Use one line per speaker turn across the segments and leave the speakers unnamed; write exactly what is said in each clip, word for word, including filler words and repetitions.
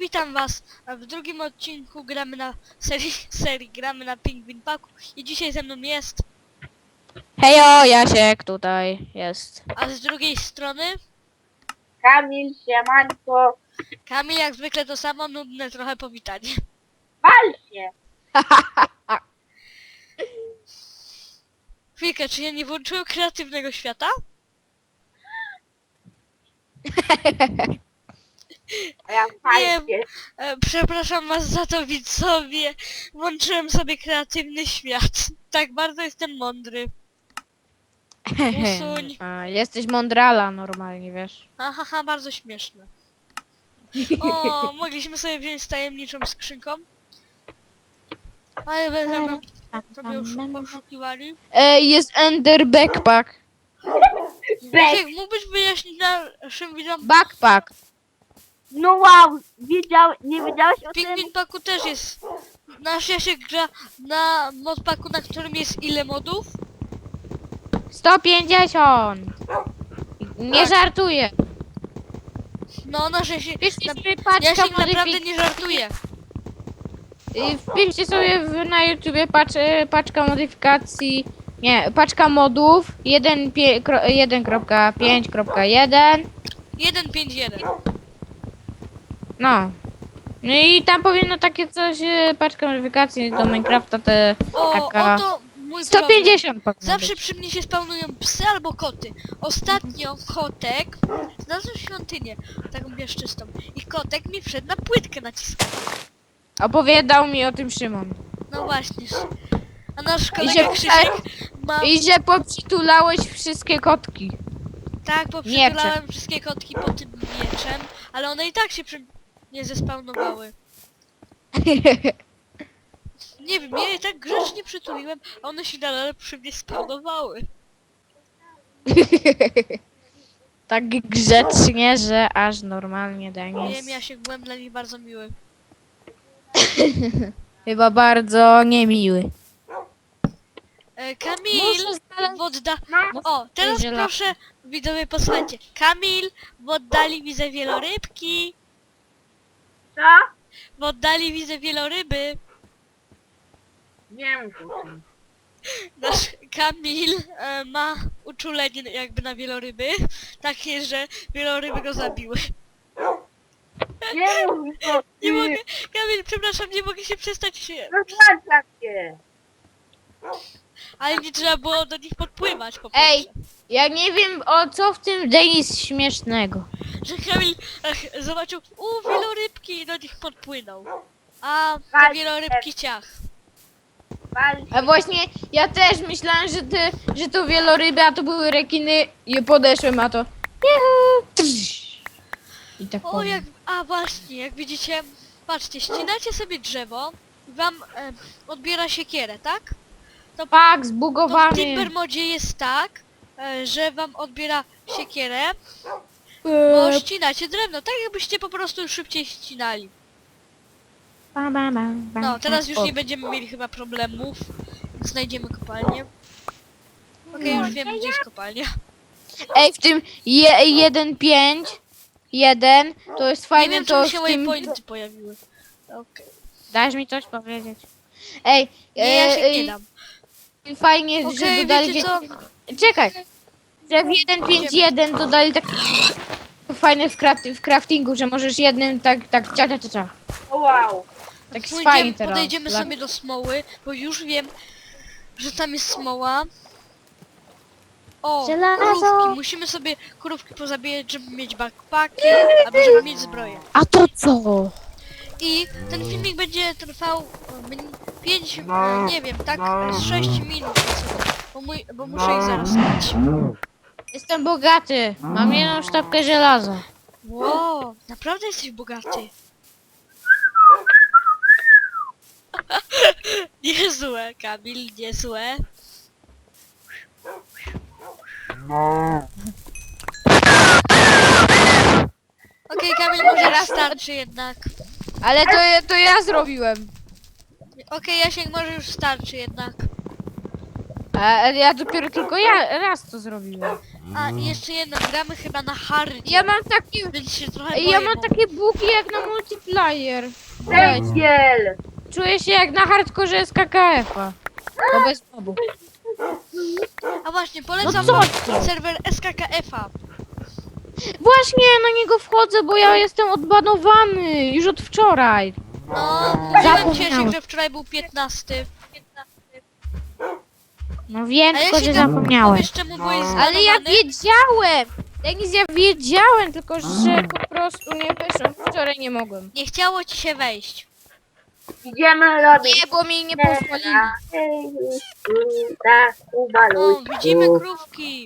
witam was w drugim odcinku gramy na serii, serii gramy na Penguin Packu i dzisiaj ze mną jest,
Hejo, Jasiek tutaj jest.
a z drugiej strony
Kamil, siemanko,
Kamil, jak zwykle to samo, nudne trochę powitanie.
pal się!
Chwilkę, czy ja nie włączyłem kreatywnego świata?
A ja pal
Nie.
się.
E, przepraszam was za to, widzowie. Włączyłem sobie kreatywny świat. Tak bardzo jestem mądry. Usuń.
A, jesteś mądrala normalnie, wiesz.
Haha, ha, bardzo śmieszne. O, mogliśmy sobie wziąć z tajemniczą skrzynką. Ale będziemy sobie już poszukiwali.
Ej, jest Ender Backpack.
Bez.
Jak mógłbyś wyjaśnić naszym widzom?
Backpack.
No wow, wiedział, nie wiedziałeś o
W
tym?
Penguin Packu też jest. Nasz Jasiek gra na modpacku, na którym jest ile modów?
sto pięćdziesiąt. Nie
Tak.
żartuję.
No, nasz Jasiek,
Wpiszcie
na,
sobie paczka
Jasiek naprawdę
modyfikacji.
nie żartuje.
Wpiszcie sobie w, na YouTubie pacz, paczka modyfikacji. Nie, paczka modów jeden kropka pięć kropka jeden.
jeden pięć jeden.
No. No i tam powinno takie coś, e, paczka modyfikacji do Minecrafta, te
O,
taka...
oto mój
sto
problem.
pięćdziesiąt powinno
Zawsze
być.
przy mnie się spawnują psy albo koty. Ostatnio kotek znalazł świątynię, taką piaszczystą. I kotek mi wszedł na płytkę naciskał.
Opowiadał mi o tym Szymon.
No właśnie. A nasz
I
kolega
że,
Krzysiek ma...
I że poprzytulałeś wszystkie kotki.
Tak, bo przytulałem wszystkie kotki po tym mieczem, ale one i tak się przy... nie zespawnowały. Nie wiem, ja je tak grzecznie przytuliłem, a one się nadal przy mnie spawnowały.
Tak grzecznie, że aż normalnie
Nie
Denis.
wiem, ja się byłem dla nich bardzo miły.
Chyba bardzo niemiły.
E, Kamil!
Muszę znaleźć...
W odda...
No,
O, teraz
zielone.
proszę, widzowie, posłuchajcie. Kamil, w oddali widzę wielorybki.
co?
W oddali widzę wieloryby.
Nie mów o tym.
Nasz Kamil e, ma uczulenie jakby na wieloryby. Takie, że wieloryby go zabiły.
Nie mów o tym.
Nie mogę, Kamil, przepraszam, nie mogę się przestać się...
Rozłączam się.
Ale nie trzeba było do nich podpływać po prostu.
Ej, ja nie wiem o co w tym Denis śmiesznego.
Że Kamil ach, zobaczył, u wielorybki i do nich podpłynął. A te
Walcie.
wielorybki ciach.
Pal się.
A właśnie ja też myślałem, że, ty, że to wieloryby, a to były rekiny i podeszłem, a to... Juhu, trz. I tak
O,
powiem.
jak... A właśnie, jak widzicie, patrzcie, ścinacie sobie drzewo, wam e, odbiera siekierę, tak?
Tak,
To w
zbugowany.
Timber modzie jest tak, e, że wam odbiera siekierę, bo
Eee,
ścinacie drewno, tak jakbyście po prostu szybciej ścinali.
bam, bam, bam, bam.
No, teraz już
O.
nie będziemy mieli chyba problemów. Znajdziemy kopalnię. Okej, już wiem, gdzie jest kopalnia.
Ej, w tym je, jeden pięć jeden to jest
Nie
fajne,
wiem,
to
czemu
w
się
tym...
waypointy pojawiły. Okej.
Dasz mi coś powiedzieć? Ej,
Nie, ja się
e,
nie dam.
e, fajnie, że
Okej,
dodali...
wiecie co?
Czekaj, że w jeden pięć jeden dodali tak fajne w, craft, w craftingu, że możesz jednym tak, tak, cia, cia, cia, cia.
O wow.
Tak jest
Pójdziemy,
fajnie teraz.
podejdziemy
Dla-
sobie do smoły, bo już wiem, że tam jest smoła. O,
Żelazo.
krówki. Musimy sobie krówki pozabijać, żeby mieć backpacki, albo żeby mieć zbroję.
A to co?
I ten filmik będzie trwał pięć, nie wiem, tak z sześć minut, bo, mój, bo muszę ich zaraz spać.
Jestem bogaty, mam jedną sztabkę żelaza.
Wow, naprawdę jesteś bogaty. Niezłe, Kamil, niezłe. Okej, Kamil, może raz starczy jednak.
Ale to, ja- to ja zrobiłem.
Okej, Jasiek, może już starczy jednak.
A ja dopiero tylko ja raz to zrobiłem.
A i jeszcze jedno, gramy chyba na hardzie.
Ja mam taki...
Więc się trochę
Ja
boję,
mam
bo-
takie bugi jak na multiplayer. Weź.
Węgiel!
Czuję się jak na hardkorze z K K F-a. To bez mobu.
A właśnie, polecam
No
wam
co?
serwer S K K F-a.
Właśnie na niego wchodzę, bo ja jestem odbanowany już od wczoraj.
No, mówiłem
Zapomniałem.
Ciesiek, że wczoraj był piętnasty.
No wiem,
A
tylko że
jeśli tam
zapomniałem.
powiesz, czemu byłeś
Ale ja
zbanowany?
wiedziałem! Denis, ja wiedziałem, tylko że po prostu nie wyszłem. Wczoraj nie mogłem.
Nie chciało ci się wejść.
Idziemy robić.
Nie, bo mi nie pozwolili.
Tak,
O,
uwaluj.
widzimy krówki.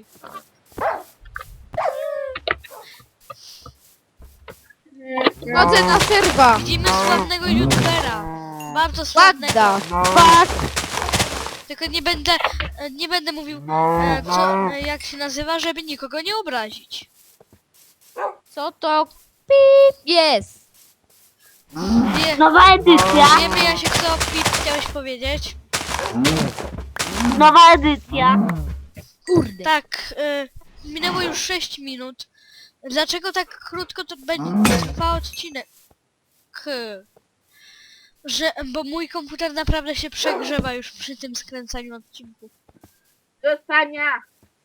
Chodzę na serwa.
Widzimy sławnego youtubera. Bardzo sławnego.
Ładda. Fuck.
Tylko nie będę, e, nie będę mówił, e, co, e, jak się nazywa, żeby nikogo nie obrazić.
Co to? Pip jest.
Wie,
Nowa edycja.
wiemy, Jasiek, co Pip chciałeś powiedzieć.
Nowa edycja.
Kurde.
Tak, e, minęło już sześć minut. Dlaczego tak krótko to będzie trwał odcinek? K. Że, bo mój komputer naprawdę się przegrzewa już przy tym skręcaniu odcinków.
Dostania.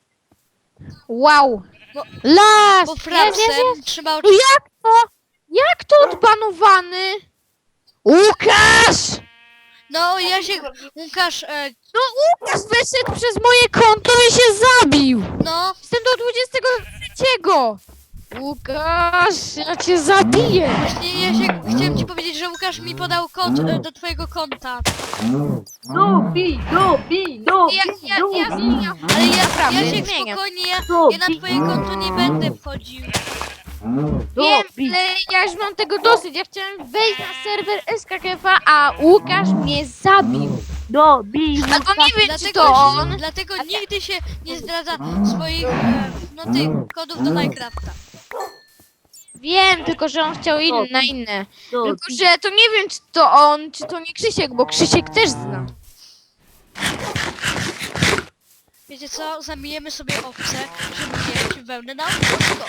Wow.
Bo-
Las.
Bo
Jest, jest,
frapsem
jest.
trzymał...
No jak to? Jak to odbanowany? Łukasz!
No, Jasiek, Łukasz, e,
No Łukasz wyszedł przez moje konto i się zabił!
no,
Jestem do dwudziestego trzeciego! Łukasz, ja cię zabiję!
właśnie Jasiek, chciałem ci powiedzieć, że Łukasz mi podał kod e, do twojego konta.
Dupi, dupi, dupi,
Ja, ja, ja
dupi.
zmieniam.
Ale ja,
Naprawdę,
Jasiek,
zmieniam.
spokojnie, ja,
Dupi.
ja na twoje konto nie będę wchodził.
Wiem,
Dupi.
ale ja już mam tego dosyć. Ja chciałem wejść na serwer S K K F, a Łukasz mnie zabił.
Dupi.
Albo nie wiem, czy
Dlatego,
to on.
dlatego nigdy się nie zdradza swoich, e, no tych kodów do Minecrafta.
Wiem, tylko że on chciał in, na inne. Tylko,
Dupi.
że to nie wiem, czy to on, czy to nie Krzysiek, bo Krzysiek też zna.
Wiecie co? Zamijemy sobie owce, żeby mieć wełnę na ognisko.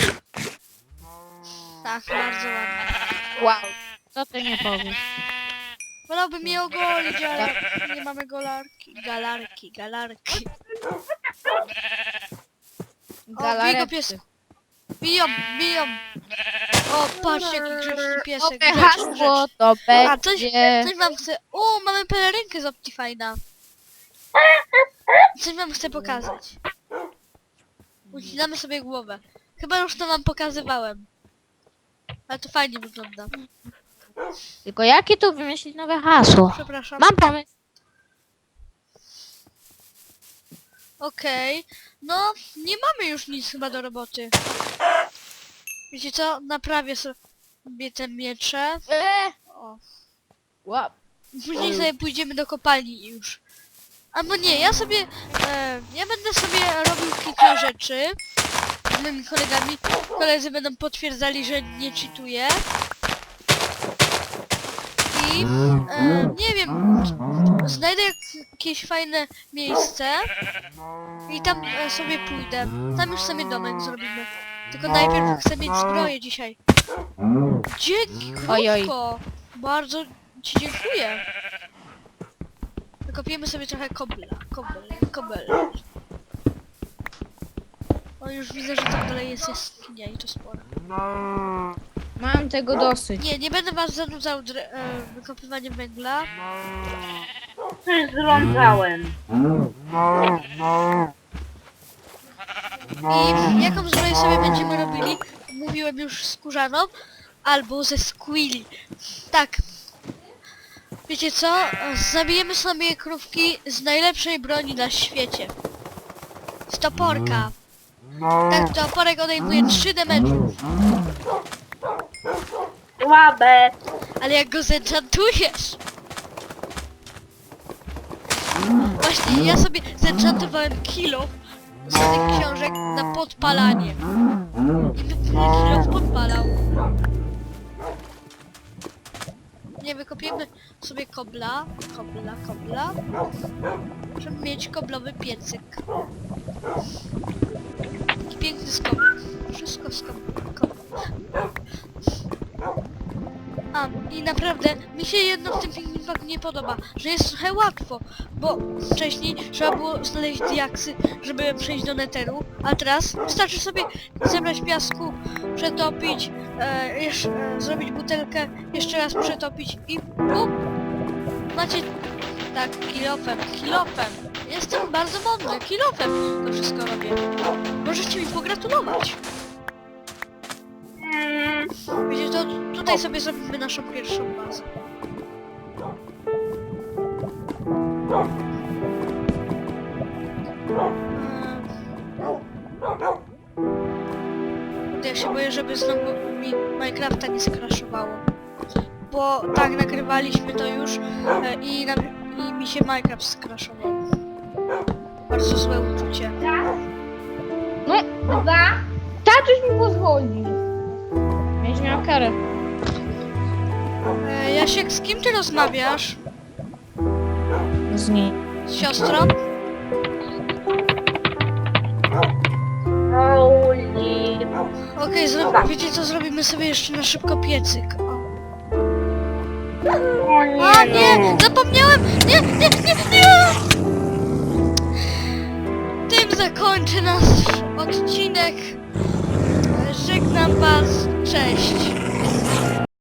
Tak, bardzo ładnie.
Wow. Co ty nie powiesz?
Wolałbym je ogolić, ale nie mamy golarki. Galarki, galarki. O, bij go pies. Biją, biją. O, patrz jaki grzeczny piesek.
Nowe
Grzeczny,
hasło
grzeczny.
to
A, coś,
będzie...
coś wam chcę... O, mamy pelerynkę z Optifine'a. Coś wam chcę pokazać. Ucinamy sobie głowę. Chyba już to wam pokazywałem. Ale to fajnie wygląda.
Tylko jakie tu wymyślić nowe hasło?
Przepraszam.
Mam pomysł.
Okej. No, nie mamy już nic chyba do roboty. Wiecie co? Naprawię sobie te miecze.
Eee.
O.
Wow.
Później sobie pójdziemy do kopalni już. Albo nie, ja sobie... E, ja będę sobie robił kilka rzeczy z moimi kolegami. Koledzy będą potwierdzali, że nie cheatuję. I... E, nie wiem... Znajdę jak- jakieś fajne miejsce. I tam e, sobie pójdę. Tam już sobie domek zrobimy. Tylko najpierw chcę mieć zbroję dzisiaj. Dzięki,
Oj, oj.
krówko! Bardzo ci dziękuję. Wykopiemy sobie trochę kobla. Kobel, kobel. O, już widzę, że tam dalej jest jaskinia i to spora.
Mam tego dosyć.
Nie, nie będę was zanudzał dre- e, wykopywaniem węgla.
Coś zrądzałem.
I jaką zbroję sobie będziemy robili? Mówiłem już skórzaną. Albo ze squilli. Tak. Wiecie co? Zabijemy sobie krówki z najlepszej broni na świecie. Z toporka. Tak, toporek odejmuje trzy damage'ów.
Słabe.
Ale jak go zenchantujesz? Właśnie, ja sobie zenchantowałem kilo z tych książek na podpalanie. I mi kilo podpalał. Nie wykopiemy sobie kobla, kobla, kobla, żeby mieć koblowy piecyk. Taki piękny skop. Wszystko skop. Kop. A, i naprawdę mi się jedno w tym filmikach nie podoba, że jest trochę łatwo, bo wcześniej trzeba było znaleźć diaksy, żeby przejść do neteru, a teraz wystarczy sobie zebrać piasku, przetopić, e, jeszcze, e, zrobić butelkę, jeszcze raz przetopić i bum! Macie, tak, kilofem, kilofem. Jestem bardzo mądry, kilofem to wszystko robię. Możecie mi pogratulować.
Mm,
Wiecie, to tutaj sobie zrobimy naszą pierwszą bazę. Eee, Ja się boję, żeby znowu mi Minecrafta nie skraszowało. Bo tak nagrywaliśmy to już e, i, na, i mi się Minecraft skraszował. Bardzo złe uczucie.
No,
dwa.
tatuś mi pozwoli. Będziesz miał karę.
E, Jasiek, z kim ty rozmawiasz?
Z niej.
Z siostrą?
Holy.
Okej, zro- wiecie co, zrobimy sobie jeszcze na szybko piecyk. O.
O nie.
A nie, zapomniałem! Nie, nie, nie, nie! Tym zakończę nasz odcinek. Żegnam was, cześć!